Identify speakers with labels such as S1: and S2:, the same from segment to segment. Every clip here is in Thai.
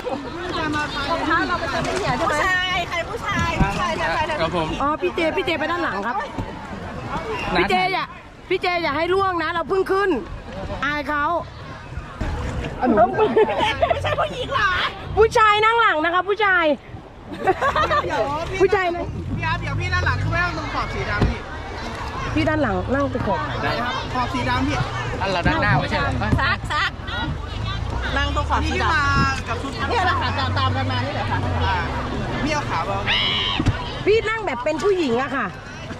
S1: เราไปเจอพี่เหี่ยใช่ไหมผู้ชายใครผู้ชาย
S2: ครับผม
S3: อ๋อพี่เจไปด้านหลังครับพี่เจอย่าให้ล่วงนะเราเพิ่งขึ้นอายเขา
S1: ไม่ใช่ผู้หญิงหรอ
S3: ผู้ชายนั่งหลังนะคะผู้ชายผู้ชายนะ
S1: พี่อาร์ตเดี๋ยวพี่ด้านหลังคือไม่ต้องตรงขอบสีดำ
S3: พี่ด้านหลังนั่งตะขบ
S1: ได้ครับขอบสีดำพี่
S2: อันเราด้านหน้าไม่ใช่หรอ
S1: ซักนั่งตรงขอบสีดำมากับชุดนี่แหละค่ะตามกันมานี่แหละค่ะพี่เอาขาเบา
S3: พี่นั่งแบบเป็นผู้หญิงอะค่ะ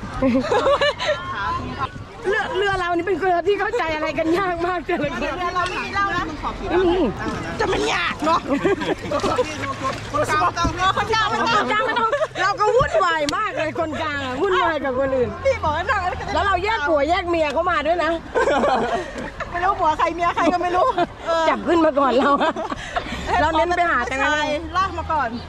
S3: เรือเรานี่เป็นเรือที่เข้าใจอะไรกันยากมากเลย
S1: เรือเราไม่มีเล่านะจะมันยากเนาะคนกลางไม่ต้อง
S3: เราก็วุ่นวายมากเลยคนกลางวุ่นวายกับคนอื่น
S1: พี่บอกว่านั่ง
S3: แล้วเราแยกผัวแยกเมียเขามาด้วยนะ
S1: ไม่รู้ผัวใครเมียใครก็ไม่รู้
S3: จับขึ้นมาก่อนเราเน้นไปหาแต่อะไร
S1: ลากมาก่อน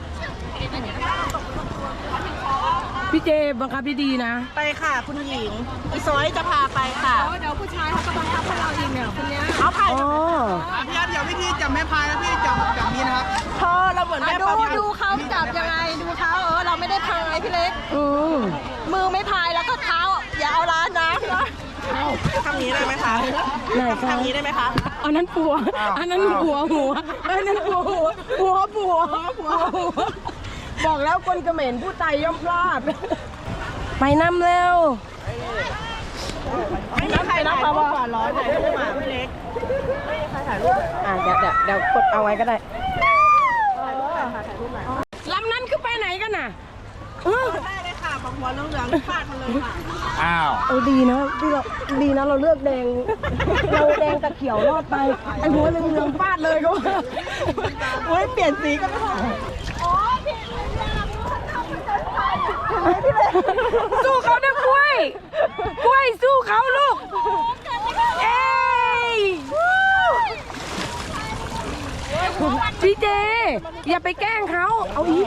S3: พี่เจบังคับดีๆนะ
S1: ไปค่ะคุณหญิงอีซอยจะพาไปค่ะเดี๋ยวผู้ชายเขาจะบังคับให้เราอีกเนี่ยคนนี้เอาพายพี่อาร์ตเดี๋ยววิธีจับแม่พายแล้วพี่จับนี้นะครับเราเหมือนแม่ดูเขาจับยังไงดูเท้าเราไม่ได้พายพี่เล็กมือไม่พายแล้วก็เท้าอย่าเอาล้านนะทำนี้ได้ไหมคะ
S3: ไหนคะ
S1: ทำนี้ได้ไหมคะ
S3: อันนั้นปัวอันนั้นหัวอันนั้นหัวบอกแล้วคนเขมรผู้ไตย่อมพลาดไปน้ำเร็ว
S1: ไม่มีใครถ่ายรูปก่อนร้อนถ่ายรูปมาพี่เล็กไม่มีใครถ่ายรูป
S3: เดี๋ยวกดเอาไว้ก็ได้ลำนั้นคือไปไหนกันน่ะ
S1: ได้เลยค่ะของหัวเหลืองฟาดมาเลยค่ะ
S2: อ้าว
S3: ดีนะเราเลือกแดงเราแดงกับเขียวรอดไปไอ้หัวเหลืองฟาดเลยก็
S1: โอ้ยเปลี่ยนสีก็ไม่ได้
S3: สู้เขานะกล้วยสู้เขาลูกเอ้ยพี่เจอย่าไปแกล้งเขาเอาอีก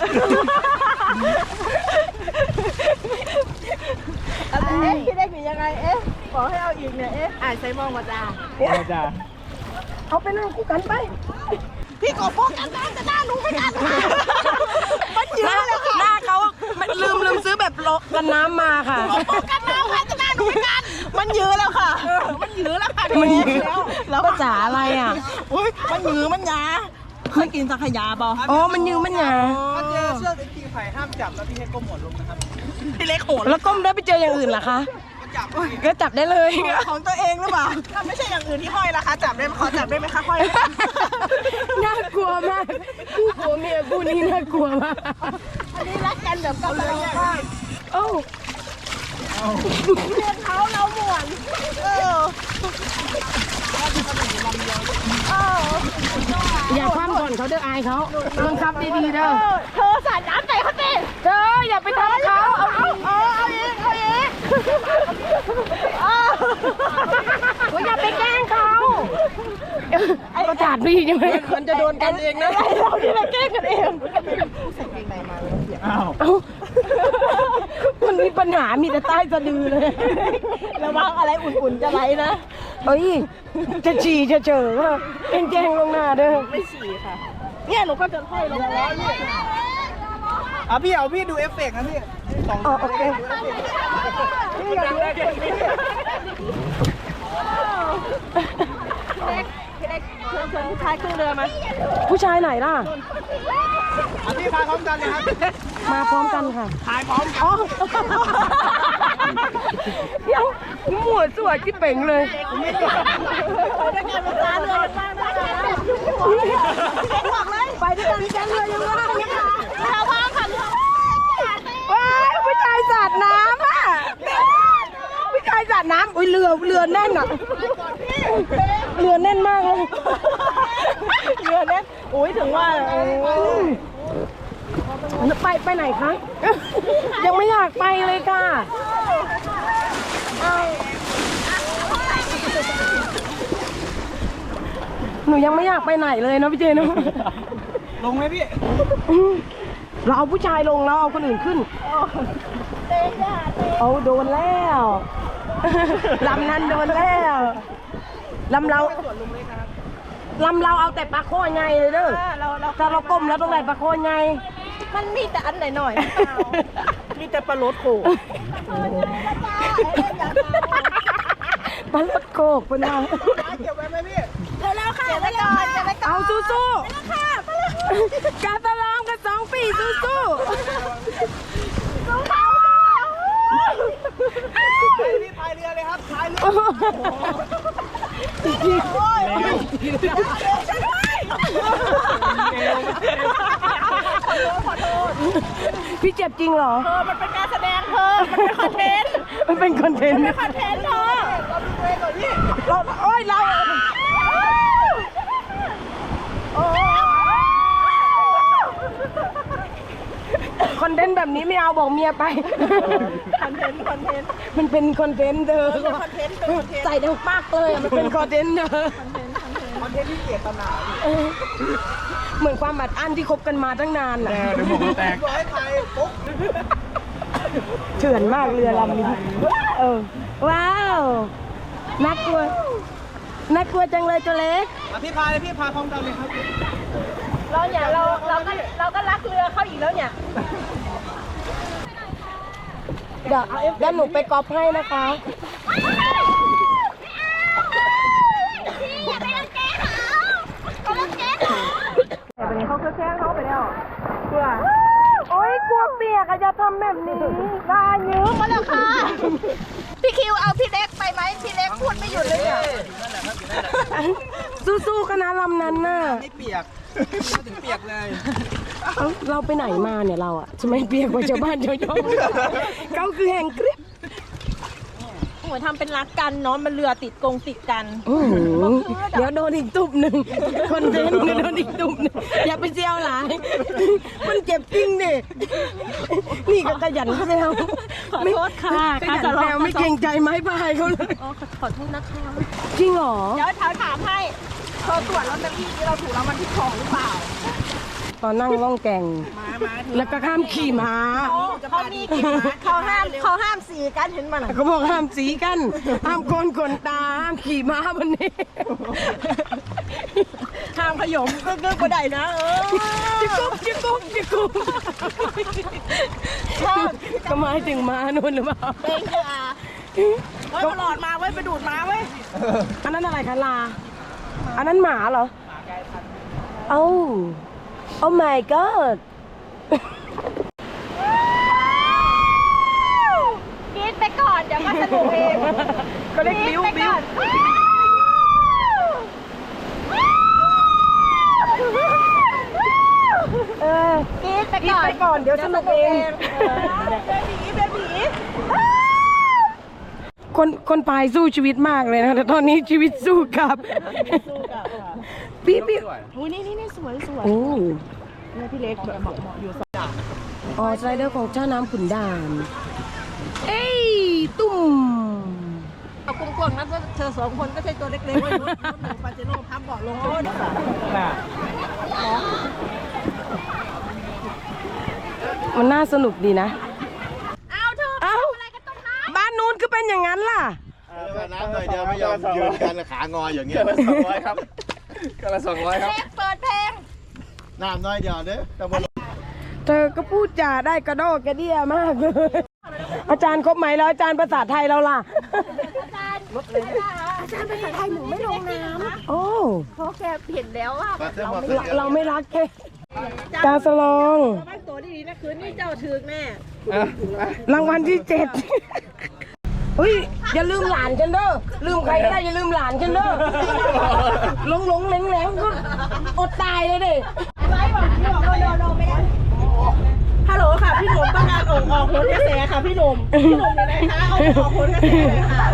S1: พี่เล็กหนียังไงขอให้เอาอีกเนี่ยอ่านใส่มองมาจ้า
S3: เอาไปนั่งคู่กันไป
S1: พี่กบพวกกันแต่หน้าหนูไม่กันมันเยอะเลย
S3: หน้าเขาลืมซื้อแบบกันน้ำมาค่ะ
S1: กันน้ำค่ะแต่หน้าหนูไม่กันมันเยอะแล้วค่ะมันเยอะแล้วค่ะ
S3: มันเยอะแล้วภาษาอะไรอ่ะ
S1: อุ้ยมันเยอะมันหยาเคยกินสังขยาป่ะ
S3: อ๋อมันยืมมันหยา
S1: เจอเชือกไอ้ที่ไผ่ห้ามจับแล้วพี่ให้ก้มหัวลงนะครับพี่เล็กโหด
S3: แล้วก้มได้ไปเจออย่างอื่นเหรอคะก็จับได้เลย
S1: ของตัวเองหรือเปล่าถ้าไม่ใช่อย่างอื่นที่ห้อยล่ะคะจับได้ขอจับได้ไหมคะห้อย
S3: น่ากลัวมากคู่ผัวเมียคู่นี้น่ากลัวมาก
S1: อันนี้รักกันแบบกำลังมาก
S3: โอ้
S1: เรียนเขาเราหม่วน
S3: อย่าคว่ำก่อนเขาเด้ออายเขาบังคับดีๆเด้อ
S1: เธอสาดน้ำใส่เขาสิ
S3: เธออย่าไปทำเขา
S1: เอาอีก
S3: อย่าไปแกล้งเขาประจาดพี่ใช่ไหมมันจะโดนกันเองนะ
S1: เราที่เราแกล้งกันเอง
S3: มันมีปัญหามีแต่ใต้สะดือเลย
S1: ระวังอะไรอุ่นๆจะไหลนะ
S3: เอ้ยจะฉี่จะเจอว่าแจ้งลงหน้าเด้อ
S1: ไม่ฉี่ค่ะเนี่ยหนูก็จะห้อยลงแล้วพี่ดูเอฟเฟกต์นะพี่
S3: โอเค
S1: พี่อยากดูเอฟเฟกต์พี่เล็กเชิญผู้ชายขึ้นเรือมา
S3: ผู้ชายไหนล่ะ
S1: พี่พาพร้อมกันเลยครับ
S3: มาพร้อมกันค่ะ
S1: ถ่ายพร้อมกัน
S3: ยังหมวดสวยที่เป่งเลยไปด้วยกันแกงเรือยังว่างนะคะ
S1: เราว่างค่ะ
S3: ว้ายผู้ชายสาดน้ำอ่ะผู้ชายสาดน้ำอุ้ยเรือแน่นอ่ะเรือแน่นมากเลย
S1: เรือแน่นอุ้ยถึงว่า
S3: ไปไหนคะยังไม่อยากไปเลยค่ะหนูยังไม่อยากไปไหนเลยนะพี่เจน
S1: ลงไหมพี่
S3: เราเอาผู้ชายลงแล้วเอาคนอื่นขึ้นเอาโดนแล้วลำนั้นโดนแล้วลำเราลำเราเอาแต่ปลาโคไงเลยเด้อถ้าเราก้มแล้วต้องได้ปลาโคไง
S1: มันมีแต่อันหน่อยๆมีแต่ปลาโลดโข
S3: ปลาลดโคกเป็นไง
S1: เก็บไว้ไหมพี่แล้วค่ะเก็บไว้ก่อนเก็บไว้ก่อน
S3: เอาสู้ๆกาตะลองกัน2 ปีสู้ๆ
S1: พี่พายเรือเลยครับพายเรือ
S3: พี่เจ็บจริงเหรอ
S1: มันเป็นการแสดงเธอมันเป็นคอนเทนต์
S3: มันเป็นคอนเทนต์
S1: เธอ
S3: เราโอ้ยเราคอนเทนต์แบบนี้ไม่เอาบอกเมียไป
S1: คอนเทนต์
S3: มันเป็นคอนเทนต์เด้อ
S1: คอนเทนต์
S3: ใส่ดังปากเลยมันเป็นคอนเทนต์เด้อ
S1: คอนเทนต์ที่เกียรตินา
S3: เหมือนความอัดอั้นที่คบกันมาตั้งนานน่ะ
S2: เดี๋ยวผมแตก
S1: ร้อยไทยปุ๊บ
S3: เถื่อนมากเรือลำนี้ว้าวน่ากลัวจังเลยตัวเล็ก
S1: พี่พายเลยพี่พายพร้อมกันเลยครับ
S3: เราก็รักเรือเขาอีกแล้วเนี่ยเดี๋ยวหนูไปกอล์ฟให้นะคะแต่วันนี้เขาแค่เขาไปแล้วกลัวโอ๊ยกลัวเปียกอะจะทำแบบนี้กล้ายืมมาแล้วค่ะ
S1: พี่คิวเอาพี่เล็กไปไหมพี่เล็กพูดไม่หยุดเลยเนี่ย
S3: สู้ๆกันนะลำนั้นน่ะ
S1: ไม่เปียกไม่ถึงเปียกเลย
S3: เราไปไหนมาเนี่ยเราอะจะไม่เปียกกว่าชาวบ้านชาวช่องเขาคือแห่งกริบ
S1: เหมือนทำเป็นรักกันเนาะมันเรือติดกัน
S3: เดี๋ยวโดนอีกตุบหนึ่งคนเดินโดนอีกตุบหนึ่งอย่าไปเซลหลายมันเจ็บจริงดินี่ก็ขยันเซล
S1: ขอโทษค่ะ
S3: ขยันเซลไม่เกรงใจไม้พายเขาเลย
S1: ขอโทษนะคะ
S3: จริงเหรอ
S1: เดี๋ยวถามให้เธอตรวจลอตเตอรี่ที่เราถูกรางวัลที่2หรือเปล่า
S3: ตอนนั่งล่องแก่ง
S1: มา
S3: แล้วก็ข้ามขี่ม้า
S1: เขามีกี่เขาห้ามสีกันเห็นมัน
S3: เขาบอกห้ามสีกันห้ามโกนขนตาห้ามขี่ม้าวันนี้
S1: ห้ามขยมก็ก็ได้นะ
S3: จิกุ๊บก็หมายถึงม้านู่นหรือเปล่า
S1: เป็นค่ะไว้ตลอดมาไว้ไปดูดมาไว้
S3: อันนั้นอะไรคะลาอันนั้นหมาเหรอโอ้ my god
S1: กรี๊ดไปก่อนเดี๋ยวก็สนุกเอง
S3: ก็ได้บิ้วก
S1: รี๊ดไป
S3: กินไปก่อนเดี๋ยวสนุกเอง
S1: เบบี
S3: คนพายสู้ชีวิตมากเลยนะแต่ตอนนี้ชีวิตสู้กับพี่
S1: อุ้ยนี่สวย
S3: โอ้
S1: นี่พี่เล็กแบบเหมาะอยู่สด
S3: อ๋อสไลเดอร์ของเจ้าน้ำขุนด่านเอ้ยตุ่ม
S1: เอากวงๆนะเธอ2 คนก็ใช่ตัวเล็กๆเลยรถหนูปาเจโร่พับเบาะลง
S3: มันน่าสนุกดีนะ
S1: เอาเธอ
S3: เอ้า
S1: อะไรกันตรงนั้น
S3: บ้านนู้นก็เป็นอย่างนั้นล่ะ
S4: น้ำหน่อยเดียวไม่ยอมยืนกันขางออย่างเงี้ย
S2: 200ครับก็ละ200ครับ
S1: เปิดเพลง
S4: น้ำน้อยเดียวเด้อแต่บน
S3: เธอก็พูดจาได้กระโดดกระเดี่ยมากเลยอาจารย์ครบไหมแล้วอาจารย์ภาษาไทยเราล่ะ
S1: อาจารย์ภาษาไทยหนูไม่ลงน้ำ
S3: โอ้
S1: เพราะแกเห็นแล้วว่า
S3: เราไม่รักแค่กาสลอง
S1: บ้านตัวดีๆนะคืนนี้เจ้าถึกแน่
S3: รางวัลที่7เฮ้ยอย่าลืมหลานฉันเด้อลืมใครก็ได้อย่าลืมหลานฉันเด้อหลงแหลงก็อดตายเลยดิ
S1: ฮัลโหลค่ะพี่หนุ่มต้องการออกโหนกระแสค่ะพี่หนุ่มอยู่ไหนคะเอาออกโหนกระแสเลยค่ะ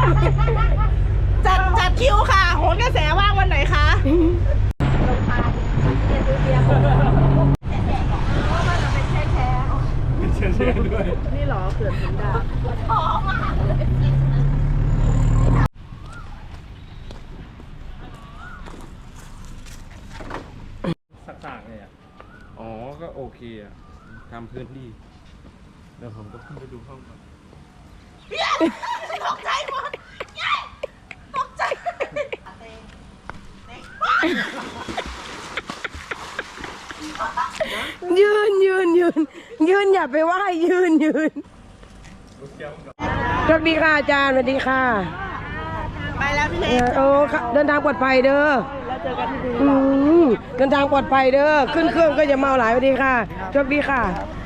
S1: จัดคิวค่ะโหนกระแสว่างวันไหนคะนี่หรอเขื่อนขุนด่าน
S2: สักๆเลยอ่ะอ๋อก็โอเคอ่ะทำพื้นที่เดี๋ยวผมก็ขึ้นไปดูห้องก่อน
S1: ตกใจหมดตกใจ
S3: ยืนอย่าไปไหว้ยืนโชคดีค่ะอาจารย์สวัสดีค่ะ
S1: ไปแล้วพี่เล็ก
S3: โอ้เดินทางปลอดภัยเด้อแล้วเจอกันที่ดีเดินทางปลอดภัยเด้อขึ้นเครื่องก็อย่าเมาหลายสวัสดีค่ะโชคดีค่ะ